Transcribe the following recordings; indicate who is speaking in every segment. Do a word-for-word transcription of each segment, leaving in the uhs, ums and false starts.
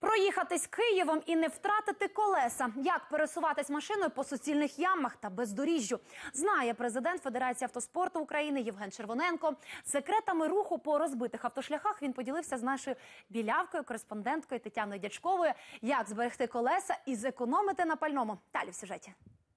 Speaker 1: Проїхатись Києвом і не втратити колеса. Як пересуватись машиною по суцільних ямах та бездоріжжю, знає президент Федерації автоспорту України Євген Червоненко. Секретами руху по розбитих автошляхах він поділився з нашою білявкою, кореспонденткою Тетяною Дячковою. Як зберегти колеса і зекономити на пальному. Далі в сюжеті.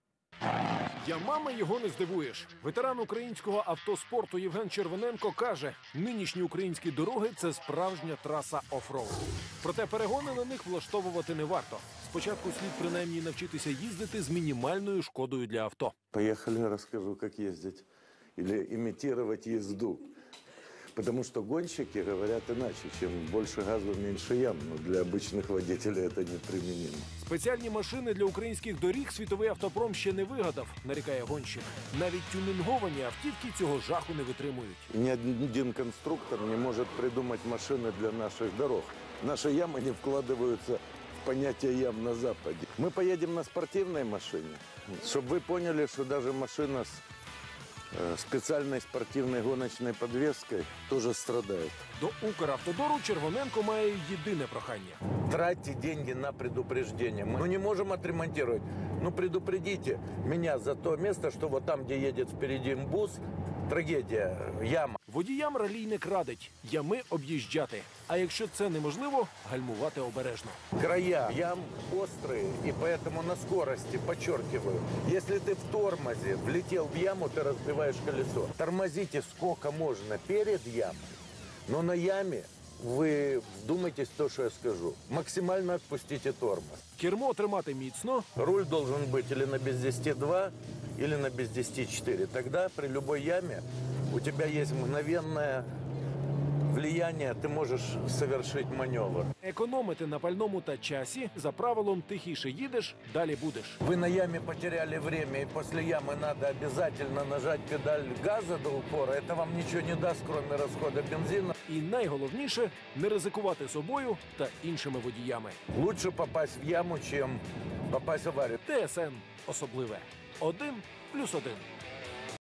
Speaker 2: Ямами його не здивуєш. Ветеран українського автоспорту Євген Червоненко каже, нинішні українські дороги – це справжня траса оффроуд. Проте перегони на них влаштовувати не варто. Спочатку слід принаймні навчитися їздити з мінімальною шкодою для авто.
Speaker 3: Поехали, расскажу, как ездить. Или имитировать езду. Потому что гонщики говорят иначе, чем больше газу, меньше ям. Но для обычных водителей это неприменимо.
Speaker 2: Спеціальні машини для українських доріг світовий автопром ще не вигадав, нарікає гонщик. Навіть тюнинговані автівки цього жаху не витримують.
Speaker 3: Ни один конструктор не может придумать машины для наших дорог. Наши ямы не вкладываются в понятие ям на Западе. Мы поедем на спортивной машине, чтобы вы поняли, что даже машина с специальной спортивной гоночной подвеской тоже страдает.
Speaker 2: До Укравтодору Червоненко має єдине прохання.
Speaker 3: Тратьте деньги на предупреждение. Мы не можем отремонтировать. Ну, предупредите меня за то место, что вот там, где едет впереди бус, трагедия, яма.
Speaker 2: Водіям ралійник радить ями об'їжджати. А якщо це неможливо, гальмувати обережно.
Speaker 3: Края ям острые, и поэтому на скорости, подчеркиваю, если ты в тормозе влетел в яму, ты разбиваешь колесо. Тормозите сколько можно перед ямой, но на яме вы вдумайтесь в то, что я скажу. Максимально отпустите тормоз.
Speaker 2: Кермо тримати міцно.
Speaker 3: Руль должен быть или на без десяти два, или на без десяти четыре. Тогда при любой яме у тебя есть мгновенное влияние, ты можешь совершить маневр.
Speaker 2: Економити на пальному та часі, за правилом тихіше їдеш, далі будеш.
Speaker 3: Вы на яме потеряли время, и после ямы надо обязательно нажать педаль газа до упора. Это вам ничего не даст, кроме расхода бензина.
Speaker 2: І найголовніше – не ризикувати собою та іншими водіями.
Speaker 3: Лучше попасть в яму, чем попасть в аварию.
Speaker 2: ТСН особливе. Один плюс один.